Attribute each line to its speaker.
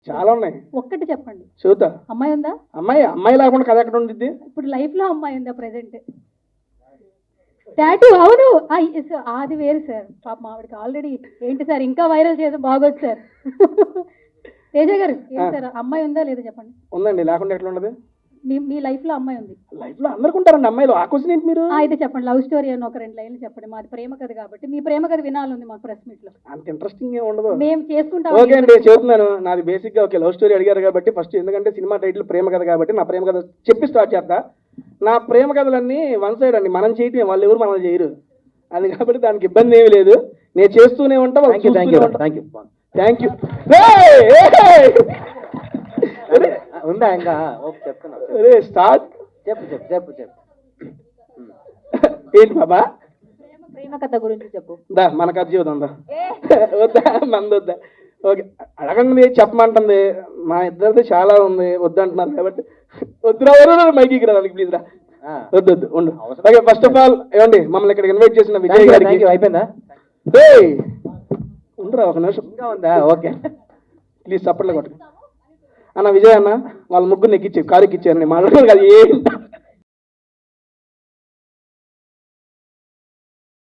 Speaker 1: చాలా ఉన్నాయి.
Speaker 2: ఒక్కటి చెప్పండి.
Speaker 1: చూద్దా
Speaker 2: అమ్మాయి ఉందా?
Speaker 1: అమ్మాయి లేకుండా కథ ఎక్కడ ఉండిద్ది?
Speaker 2: ఇప్పుడు లైఫ్ లో అమ్మాయి ఉందా ప్రెసెంట్? టాటూ అవును. అది వేరు సార్. పాప ఆవిడకి ఆల్రెడీ ఏంటి సార్ ఇంకా వైరల్ చేసి బాగోదు సార్. తేజ గారు ఏంటి సార్ అమ్మాయి ఉందా లేదా చెప్పండి.
Speaker 1: ఉందండి, లేకుండా ఎట్లా ఉండదు?
Speaker 2: మీ లైఫ్ లో అమ్మాయి ఉంది?
Speaker 1: లైఫ్ లో అందరికి ఉంటారండి అమ్మాయిలు. ఆ క్వశ్చన్ ఏంటి మీరు?
Speaker 2: అయితే చెప్పండి, లవ్ స్టోరీ అని ఒక 2 లైన్లు చెప్పండి. మాది ప్రేమ కథ కాబట్టి మీ ప్రేమ కథ వినాలని మా ప్రెస్ మీట్ లో.
Speaker 1: అంత ఇంట్రెస్టింగ్ ఏం ఉండదు.
Speaker 2: మేము చేసుకుంటాం.
Speaker 1: ఓకే అండి, చెప్తున్నాను. నాది బేసిక్ గా ఓకే లవ్ స్టోరీ అడిగారు కాబట్టి ఫస్ట్, ఎందుకంటే సినిమా టైటిల్ ప్రేమ కథ కాబట్టి నా ప్రేమ కథ చెప్పి స్టార్ట్ చేస్తా. నా ప్రేమ కథలన్నీ వన్ సైడ్ అండి, మనం చేయటం, వాళ్ళు ఎవరు మనల్ని చేయరు. అది కాబట్టి దానికి ఇబ్బంది ఏమీ లేదు. నేను చేస్తూనే ఉంటా. Thank you.
Speaker 3: ఉందా ఇంకా? చెప్తున్నా.
Speaker 1: స్టార్ట్.
Speaker 3: చెప్పు.
Speaker 1: ఏంటి బాబా?
Speaker 2: ప్రేమ కథ గురించి చెప్పు.
Speaker 1: దా మన కథ జీవితం దా. వద్దా మంది వద్దా? ఓకే అడగండి, చెప్పమంటుంది. మా ఇద్దరిది చాలా ఉంది, వద్దంటున్నారు కాబట్టి వద్దురా మైకి రా ప్లీజ్ రా. వద్దు ఉండు. ఓకే ఫస్ట్ ఆఫ్ ఆల్ ఏమండి మమ్మల్ని ఇక్కడికి ఇన్వైట్ చేసిన విజయ్ గారికి
Speaker 3: అయిపోయిందా?
Speaker 1: ఉండరా ఒక నిమిషం.
Speaker 3: ఇంకా ఉందా? ఓకే
Speaker 1: ప్లీజ్ చప్పట్లు కొట్టు అన్న. విజయ్ అన్న వాళ్ళ ముగ్గురు ఎక్కిచ్చారు, కారు ఎక్కిచ్చారు. మాట్లాడారు కదా ఏంటి